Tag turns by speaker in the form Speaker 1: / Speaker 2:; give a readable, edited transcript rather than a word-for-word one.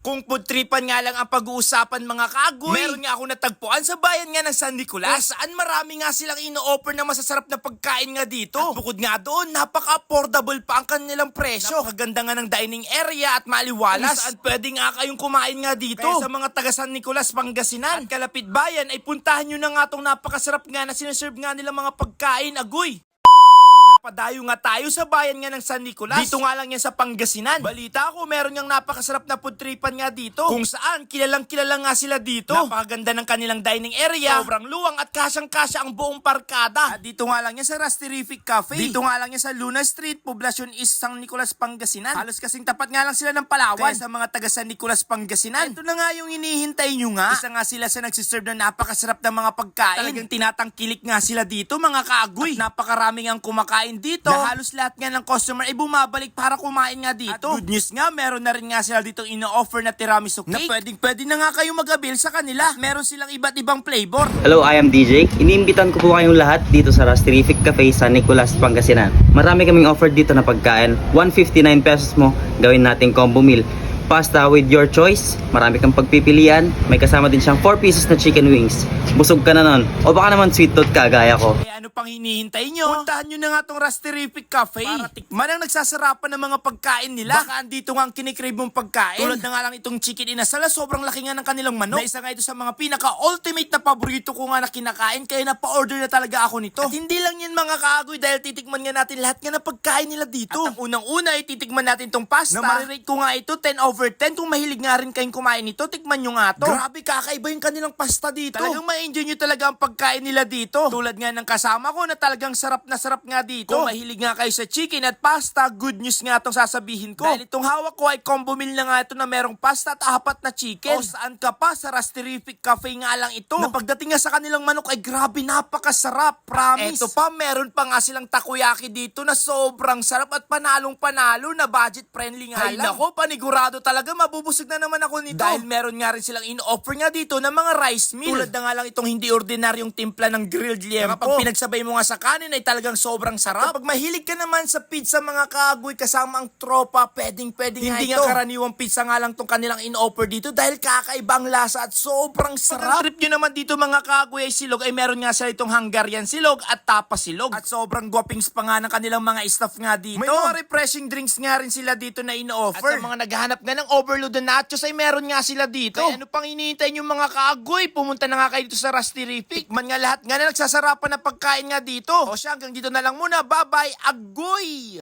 Speaker 1: Kung pudtripan nga lang ang pag-uusapan mga kaagoy, meron nga ako natagpuan sa bayan nga ng San Nicolas saan marami nga silang ino-offer na masasarap na pagkain nga dito. At bukod nga doon, napaka-affordable pa ang kanilang presyo. Napakaganda nga ng dining area at maliwalas. Kung saan pwede nga kayong kumain nga dito. Kaya sa mga taga San Nicolas, Pangasinan at kalapit bayan ay puntahan nyo na nga itong napakasarap nga na sinaserve nga nilang mga pagkain, agoy. Padayo nga tayo sa bayan nga ng San Nicolas. Dito nga lang yan sa Pangasinan. Balita ko, meron ngang napakasarap na pudtripan nga dito. Kung saan, kilalang nga sila dito. Napakaganda ng kanilang dining area. Sobrang luwang at kasyang-kasya ang buong parkada. At dito nga lang yan sa Rastirific Cafe. Dito nga lang yan sa Luna Street, Poblacion East, San Nicolas, Pangasinan. Halos kasing tapat nga lang sila ng Palawan. Kaya sa mga taga San Nicolas, Pangasinan, ito na nga yung hinihintay nyo nga. Isa nga sila sa nagsiserve ng napakasarap ng mga pagkain. Talagang tinatangkilik nga sila dito, mga kaagoy. At napakaraming ang kumakain dito na halos lahat nga ng customer ay bumabalik para kumain nga dito. At good news nga, meron na rin nga sila dito ino-offer na tiramisu cake na pwede na nga kayo mag-avail sa kanila. Meron silang iba't ibang flavor.
Speaker 2: Hello, I am DJ. Iniimbitan ko po kayong lahat dito sa Rastirific Cafe San Nicolas, Pangasinan. Marami kaming offer dito na pagkain. 159 pesos mo, gawin nating combo meal. Pasta with your choice, marami kang pagpipilian. May kasama din siyang 4 pieces na chicken wings. Busog ka na nun. O baka naman sweet tooth ka, gaya ko.
Speaker 1: Kaya ano pang hinihintay nyo? Puntahan nyo na nga tong Rastirific Cafe para tikman ang nagsasarapan ng mga pagkain nila. Baka andito nga ang kinikrave mong pagkain. Tulad na nga lang itong chicken inasal, sobrang laki nga ng kanilang manok. Na isa nga ito sa mga pinaka-ultimate na paborito ko nga na kinakain, kaya napa-order na talaga ako nito. At hindi lang yan mga kaagoy, dahil titikman nga natin lahat nga ng pagkain nila dito. At ang unang-una ay titikman natin tong pasta. Na marirate ko nga ito 10/10. Kung mahilig nga rin kayong kumain nito, tikman nyo nga to. Grabe, kakaiba yung kanilang pasta dito. Talagang ma-enjoy nyo talaga ang pagkain nila dito. Tulad nga ng kasama ko na talagang sarap na sarap nga dito. Kung mahilig nga kayo sa chicken at pasta, good news nga itong sasabihin ko. Dahil itong hawak ko ay combo meal na nga ito na merong pasta at 4 na chicken. O saan ka pa, sa Rastirific Cafe nga lang ito. Na pagdating nga sa kanilang manok ay grabe, napakasarap. Promise. Eto pa, meron pa nga silang takoyaki dito na sobrang sarap at panalong-panalo na budget friendly nga lang. Ay nako, panigurado talaga, mabubusog na naman ako nito. Dahil meron nga rin silang in-offer nga dito ng mga rice meal. Tulad na nga lang itong hindi ordinaryong timpla ng grilled liempo. Kapag pinagsabay mo nga sa kanin ay talagang sobrang sarap. Kapag mahilig ka naman sa pizza mga kaagoy kasama ang tropa, pwedeng nga ito. Hindi nga karaniwang pizza nga lang itong kanilang in-offer dito dahil kakaibang lasa at sobrang sarap. Pag trip nyo naman dito mga kaagoy ay silog, ay meron nga sila itong Hungarian silog at tapa silog. At sobrang guwapings pa nga ng kanilang mga staff nga dito. May mga refreshing drinks nga rin sila dito na in-offer. At sa mga naghahanap nga ng overload na nachos ay meron nga sila dito. Kaya ano pang hinihintay nyo mga kaagoy? Pumunta na nga kayo dito sa Rastirific. Tikman nga lahat nga na nagsasarapan na pagkain nga dito. O siya, hanggang dito na lang muna. Bye-bye, agoy!